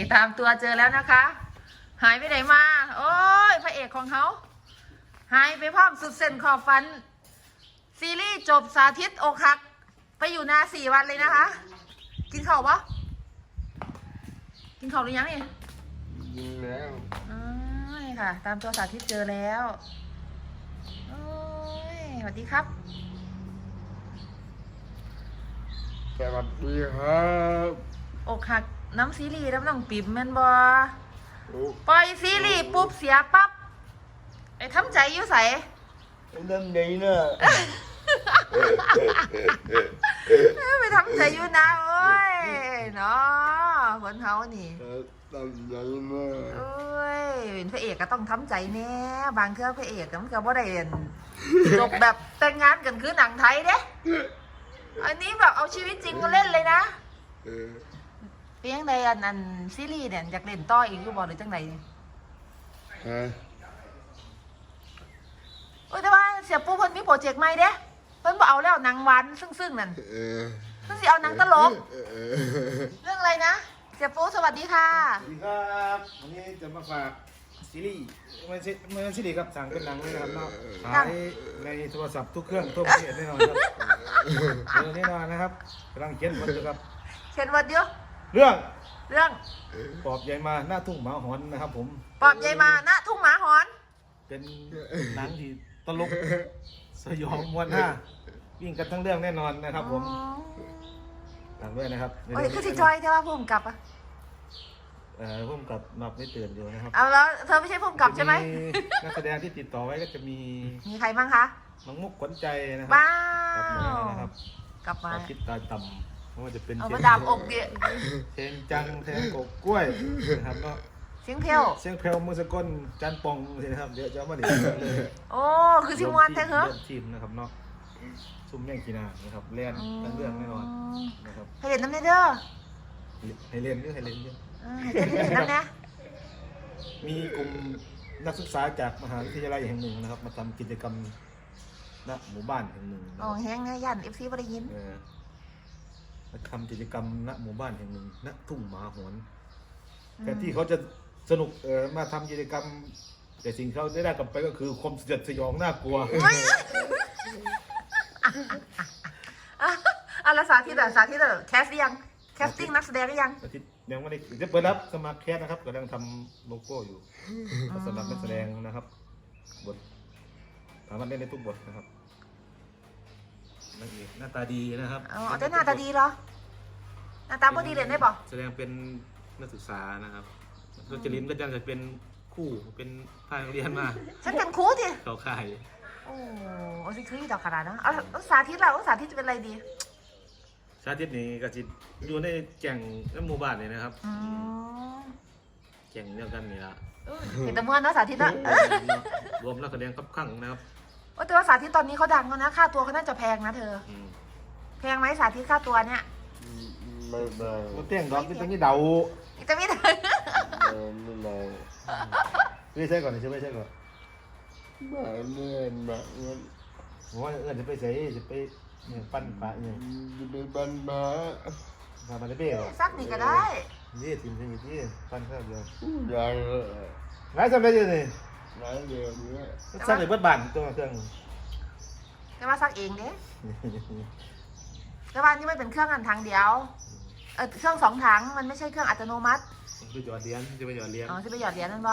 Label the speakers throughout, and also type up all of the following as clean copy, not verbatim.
Speaker 1: ตามตัวเจอแล้วนะคะ หายไปไหนมา โอ้ยพระเอกของเขาหายไปพร้อมสุดเส้นขอบฟันซีรีส์จบสาธิตอกหักไปอยู่นา4 วันเลยนะคะ กินข้าวปะกินข้าวหรือยังนี่
Speaker 2: กินแล้ว
Speaker 1: นี่ค่ะ ตามตัวสาธิตเจอแล้วโอ้ยสวัสดีครับ
Speaker 2: สวัสดีครับ
Speaker 1: อกหักน้ำซีรีส์น้ำน้องปิ่มแม่นบอปล่อยซีรีส์ปุ๊บเสียปั๊บไอ้ทำใจอยู่ใส
Speaker 2: เรื่องนี้เนอะ
Speaker 1: ไปทำใจอยู่นะโอ้ยเนาะคนเขานี่
Speaker 2: ทำใจเนอะ
Speaker 1: โอ้ยเป็นพระเอกก็ต้องทำใจแน่บางเทื่อพระเอกมันก็บ่ได้จบแบบแต่งงานกันคือหนังไทยเด้อันนี้แบบเอาชีวิตจริงมาเล่นเลยนะเพียงใดอันซีรีส์เนี่ยอยากเล่นต่ออีกอยู่บ่หรือจังไดโอ้ยแต่ว่าเสียปูเพิ่นมีโปรเจกต์ใหม่เด้เพิ่นบ่เอาแล้วหนังหวานซึ่งนั่นเพิ่นสิเอาหนังตลกเรื่องอะไรนะเสียปูสวัสดีค่ะ
Speaker 3: สวัสดีครับวันนี้จะมาฝากซีรีส์ไม่ใช่ซีรีส์ครับสั่งเป็นหนังเลยนะครับเนาะขายในโทรศัพท์ทุกเครื่องทั่วประเทศแน่นอนครับเรื่องแน่นอนนะครับกำลังเขียนบทอยู่ครับ
Speaker 1: เขียนบทเดียว
Speaker 3: เรื่องปอบใหญ่มาหน้าทุ่งหมาหอนนะครับผม
Speaker 1: ปอบใหญ่มาหน้าทุ่งหมาหอน
Speaker 3: เป็นหนังที่ตลกสยองม้วนหน้าวิ่งกันทั้งเรื่องแน่นอนนะครับผมฝากด้วยนะครับ
Speaker 1: โอ้ยคือสิจอยใช่ป่ะผู้กำกับ
Speaker 3: ผู้กำกับนับไม่ตื่นอยู่นะครับ
Speaker 1: เอาแล้วเธอไม่ใช่ผู้กำกับใช่ไหม
Speaker 3: นักแสดงที่ติดต่อไว้ก็จะมี
Speaker 1: ใครบ้างคะ
Speaker 3: น้องมุกขวัญใจนะครั
Speaker 1: บ้า
Speaker 3: นะครับ
Speaker 1: กลับมา
Speaker 3: คิดตาต่ำเพราะว่าจะเป็น
Speaker 1: เอามาดามอกเดีย
Speaker 3: เชนจังแทงกบกล้วยนะครับเนาะ
Speaker 1: เสียงเพลว
Speaker 3: มือสก้นจันปองเลยนะครับเดี๋ยวจะมาดิ
Speaker 1: โอ้คือชิมวันแท้เหรอ
Speaker 3: ทีมนะครับเนาะซุ่มแม่งกีนานะครับเล่นทั้งเรื่องแน่นอนนะครับ
Speaker 1: ให้เล่นน้ำเด้อ
Speaker 3: ให้เล่นเยอะให้เล่นเยอะ
Speaker 1: น้ำนะ
Speaker 3: มีกลุ่มนักศึกษาจากมหาวิทยาลัยแห่งหนึ่งนะครับมาทำกิจกรรมณหมู่บ้านแห่งหนึ่ง
Speaker 1: อ๋อแห้งนะยันFCบ่ได้ยิน
Speaker 3: มาทำกิจกรรมณหมู่บ้านแห่งหนึ่งณทุ่งหมาหอนแต่ที่เขาจะสนุกมาทำกิจกรรมแต่สิ่งเขาได้กลับไปก็คือความสยดสยองน่ากลัว
Speaker 1: แล้วสาธิตแคสยังแคสติ้งนักแสดงหรือยัง
Speaker 3: ยังไม่ได้จะเปิดรับสมัครแคสนะครับกำลังทำโลโก้อยู่สำหรับนักแสดงนะครับบทสามารถเล่นได้ทุกบทนะครับหน้าตาดีนะครับ
Speaker 1: อ๋อแต่หน้าตาดีเหรอหน้าตาบ่ดีเล่นได้ป่ะ
Speaker 3: แสดงเป็นนักศึกษานะครับรจรินก็จะเป็นคู่เป็นพานักเรียนมา
Speaker 1: ฉันเป็นครูที
Speaker 3: เขาข่าย
Speaker 1: โอ้สิคือต่อขนาดนะเอาสาธิตเราสาธิตจะเป็นอะไรดี
Speaker 3: สาธิตนี่ก็จะอยู่ในแก่งหมู่บ้านเลยนะครับแก่งเดียวกันนี่ละ
Speaker 1: เห็นแต่เมื่อนะสาธิตนะ
Speaker 3: รวมนักแสดงครับข้างนะครับ
Speaker 1: แต่ว่าสาธิตตอนนี้เขาดังแล้วนะค่าตัวเขาน่าจะแพงนะเธอแพงไหมสาธิตค่าตัวเนี่ย
Speaker 2: ไม่แพง
Speaker 3: ก็เตี้ยงดอกที่ตรงนี้เดา
Speaker 1: จะไม่ได้
Speaker 2: ไม่แพง
Speaker 3: ไม่ใช่ก่อนไม่ใช่ก่อน
Speaker 2: บ้าเลื่อนบ้าเงิน
Speaker 3: ว่าจะไปใส่จะไปเนี่ยปั้นปลาเนี่ย
Speaker 2: จะไปปั้นปลา
Speaker 3: ทำอะไรเบ้หรอ
Speaker 1: ซักนี่ก็ได้
Speaker 3: นี่ทีมที่ปั้นข้าวเดียว
Speaker 2: ยัง
Speaker 3: ไงทำได้ยังไง
Speaker 2: ไงเดี๋ยวนี้
Speaker 3: ซักในบ้านบ้านตัวเครื่อง
Speaker 1: แต่ว่าซักเองเด้แต่ว่านี่ไม่เป็นเครื่องอันทางเดียวเครื่อง2 ถังมันไม่ใช่เครื่องอัตโนมัติ
Speaker 3: ไปหยอดเหรียญจะไปหยอดเหรียญ
Speaker 1: อ๋อจะไปหยอดเหรียญนั่นบ่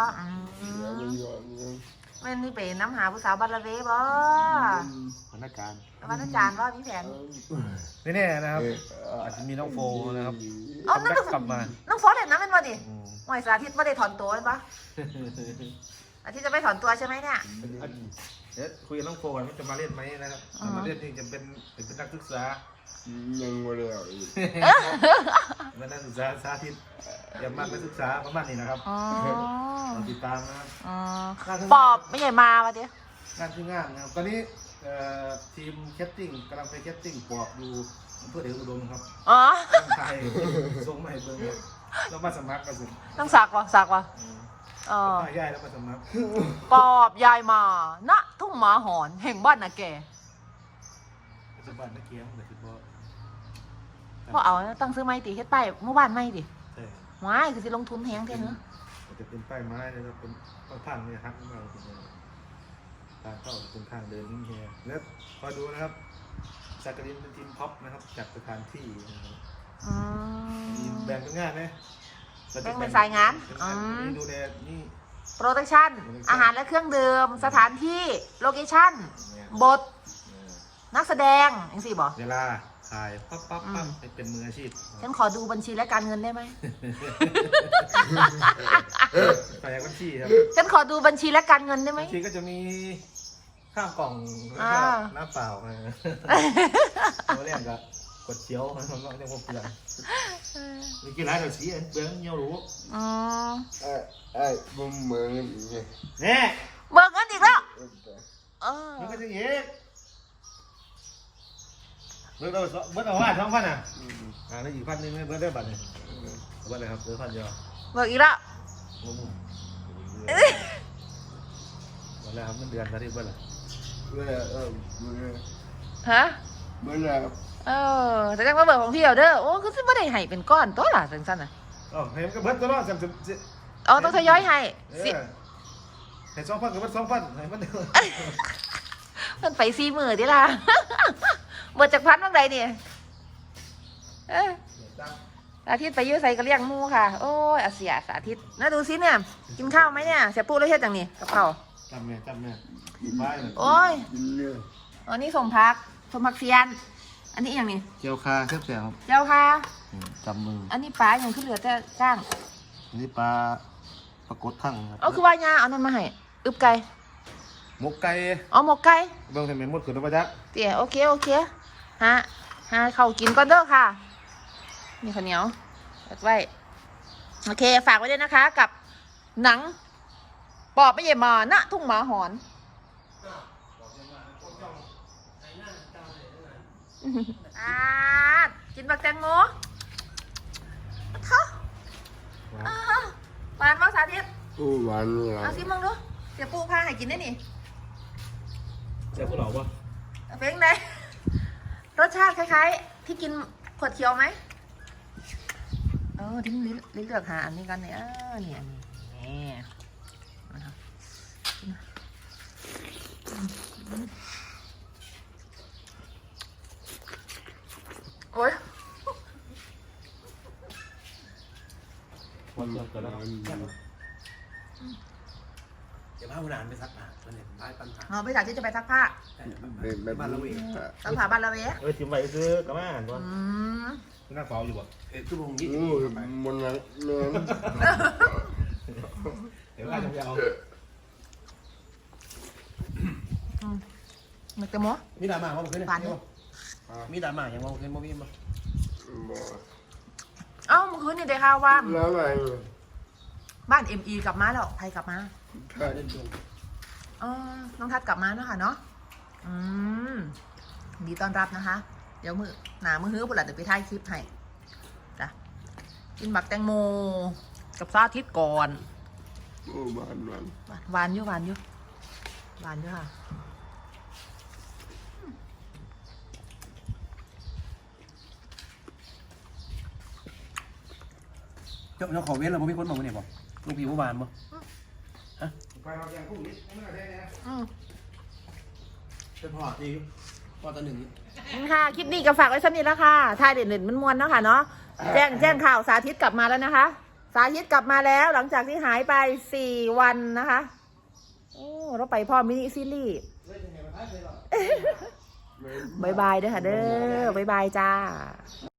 Speaker 1: มันนี่เป็นน้ำหาผู้สาวบัลลเวบ่
Speaker 3: พนักงาน
Speaker 1: บ่มีแผน
Speaker 3: นี่แน่นะครับอาจจะมีน้องโฟนะครับกลับมา
Speaker 1: น้องโฟเล่นน้ำเป็นบ่ดิหวยสาธิตไม่ได้ถอนตัวเป็นปะอาทิตย์จะไม่ถอนตัวใช่ไหมเนี่ย
Speaker 3: คุยกับน้องโฟก่อนว่าจะมาเล่นไหมนะครับมาเล่นจริงจะเป็นนักศึกษา
Speaker 2: ยังไม่ได้อีก
Speaker 3: เป็นนักศึกษาสาธิตอย่ามาเป็นศึกษาประมาณนี้นะครับติดตามนะครับ
Speaker 1: ปอบไม่ใหญ่มาวะเดี๋ยว
Speaker 3: งานคืองานนะครับตอนนี้ทีมแคสติ้งกำลังไปแคสติ้งปอบดูเพื่อเด็กอุดมครับไทยส่งมาให้เบิ่งแล้วมาสมัครกันสิ
Speaker 1: ต้องสักวะ
Speaker 3: ยายแล้วมาสมัคร
Speaker 1: ปอบยายมาณทุ่งหมาหอนแห่งบ้านนาแก
Speaker 3: บ้านนักเกียงแต่ที่
Speaker 1: พ่อเอาตั้งซื้อไม้ติเฮ็ดป้ายเมื่อวานไม่ดิหว้ายคือสิลงทุนแพงแท้เนอะ
Speaker 3: จะเป็นป้ายไม้นะครับเป็นต้องทางเนี่ยครับมาเป็นทางเข้าเป็นทางเดินนี่เฮียแล้วคอยดูนะครับซากรินเป็นทีมท็อปนะครับจัดสถานที่นะครับ
Speaker 1: อืม
Speaker 3: มีแบ่งเป็นงานไหม
Speaker 1: แบ่งเป็นสายงาน
Speaker 3: นี่ดูแลนี่
Speaker 1: โปรดักชั่นอาหารและเครื่องดื่มสถานที่โลเคชั่นบทนักแสดงอย่างสิบอก
Speaker 3: เวลาถ่ายปั๊บปั๊บปั๊บให้เป็นมืออาชีพ
Speaker 1: ฉันขอดูบัญชีและการเงินได้ไหม
Speaker 3: แปลบัญชีครับ
Speaker 1: ฉันขอดูบัญชีและการเงินได้ไหม
Speaker 3: บัญชีก็จะมีข้าวกล่องแล้วก็น้ำเปล่าตัวแรกก็กดเจียวมันก็จะพวกเปลือกมีกี่ร้านเดี๋ยวสีเปลือกเงี้ยวรู้
Speaker 1: อืม
Speaker 2: ไอ้บุ้มเหมือนอย่างเงี้ย
Speaker 3: เนี่ย
Speaker 1: เบิกเงินอีกแล้ว
Speaker 3: มันก็จะเงี้ยเบิร์ดเอาว่า2,000อ่ะแล้วอีก1,000นึงเบิร์ดได้บัตรเนี่ยเบิร์ดอะไรครับเบิร์ด1,000เดียว
Speaker 1: เบิกอีกแล้ว
Speaker 3: งงเบิร์ดอะไรครับมันเดือนละที่เบิร์ดอะไร
Speaker 2: เมื่อเมื่อ
Speaker 1: ฮะ
Speaker 2: เมื่อ
Speaker 1: แต่จังมาเบิกของพี่เอาเด้อโอ้คือสิไม่ได้ให้เป็นก้อนตัวล่ะจังสั้นน่ะ
Speaker 3: อ๋อเห็นก็เบิร์ดตัวละ
Speaker 1: อ๋อต้องทยอยให้สิ
Speaker 3: เห็น2,000กับเบิร์ด2,000ให้มันเดียว
Speaker 1: มันไป4 มื้อดิล่ะ เบิดจากพันบ้างใดเนี่ยสาธิตไปยื้อใส่กระเลียงหมูค่ะ โอ้ยอาเสียสาธิตน่าดูซิเนี่ย กินข้าวไหมเนี่ย เสียปูแล้วเฮ็ดจังนี่กับข้าว
Speaker 3: จำแม่บ้านเลย
Speaker 1: โอ้ย
Speaker 2: กินเนื้อ
Speaker 1: อันนี้สมพักเซียน อันนี้อย่างนี้
Speaker 3: เจียวคาเสียบครับ
Speaker 1: เจ้าค่ะ
Speaker 3: จำมือ
Speaker 1: อันนี้ปลาอย่างขึ้นเหลือแต่ก้าง
Speaker 3: นี่ปลากดทั้งครับ
Speaker 1: เอาคือว่ายาเอานั่นมาให้อึบไก่
Speaker 3: หมกไก่
Speaker 1: อ๋อหมกไก่
Speaker 3: เบิ่งให้แม่นหมดขึ้นมาจัก
Speaker 1: เตี๋ยโอเคฮะเข้ากินก่อนเด้อค่ะมีข้าวเหนียวไว้โอเคฝากไว้ด้วยนะคะกับหนังปอบไม่เย่มาณทุ่งหมาหอนกินบักแตงโมเขาหวานมากสาธิต
Speaker 2: อู้หวานนี่หรอ
Speaker 1: เอาซิมึงดูเดี๋ยวปูพาให้กินได้นี่
Speaker 3: เจ้าผู้หล่อปะ
Speaker 1: เป็นไงรสชาติคล้ายๆที่กินขวดเขียวไหมทิ้งลิ้นเลือกหาอันนี้กันเนี่ยเนี่ยโอ้ย
Speaker 3: วันเกิดแล้ว
Speaker 4: เดี๋ยวพาคุณอ่านไปซักผ้าตัวเนี่ยไปปัญหา
Speaker 1: ไปจากที่จะไปซักผ้า
Speaker 2: แบบ
Speaker 4: บ้านเราเอง
Speaker 1: ซักผ้าบ้านเราเอง
Speaker 3: จิ้มไว้ซื้อกระม่านวะ
Speaker 1: ม
Speaker 3: น่าเฝ้าอยู่บ่
Speaker 4: ชั่วโมง20
Speaker 2: อู้มันอะไรเนื้อ
Speaker 3: เดี๋ยวอาจจะเอา
Speaker 1: มันจะโม้
Speaker 4: มีดราม่าว่าเมื่อคืนเนี่ยมีดราม่าอย่างว่าเมื่อคืนบ่มีบ่
Speaker 1: เอ้าเมื่อคืนนี่ได้ข่าวว่า
Speaker 2: แล้วอะไร
Speaker 1: บ้าน ME กลับมาแล้วใครกลับมา
Speaker 2: ถ้า
Speaker 4: เล่นดวง
Speaker 1: น้องทัดกลับมาเนาะค่ะเนาะดีต้อนรับนะคะ เดี๋ยวมือฮื้อปุ่นละเดี๋ยวไปถ่ายคลิปให้จ้ะกินบักแตงโมกับซาทิตก่อน
Speaker 2: อู้หวาน
Speaker 1: หวานอยู่ค่ะ
Speaker 4: เจ้าขอเว้นแล้วบ่มีคนบอกว่าเนี่ยบ่ลูกพี่ผู้บานบ่
Speaker 3: ไปเอาอย่างคู่นี้ไม่ได้นะ
Speaker 4: เป็นพ่อที่พ่อตัวหนึ่ง
Speaker 1: ค่ะคลิปนี้ก็ฝากไว้สักนิดแล้วค่ะถ่ายเด่นๆมันมวนๆเนาะค่ะเนาะแจ้งข่าวสาธิตกลับมาแล้วนะคะ สาธิตกลับมาแล้วหลังจากที่หายไป4 วันนะคะโอ้เราไปพ่อมินิซีรีส์บายบายเด้อค่ะเด้อบายบายจ้า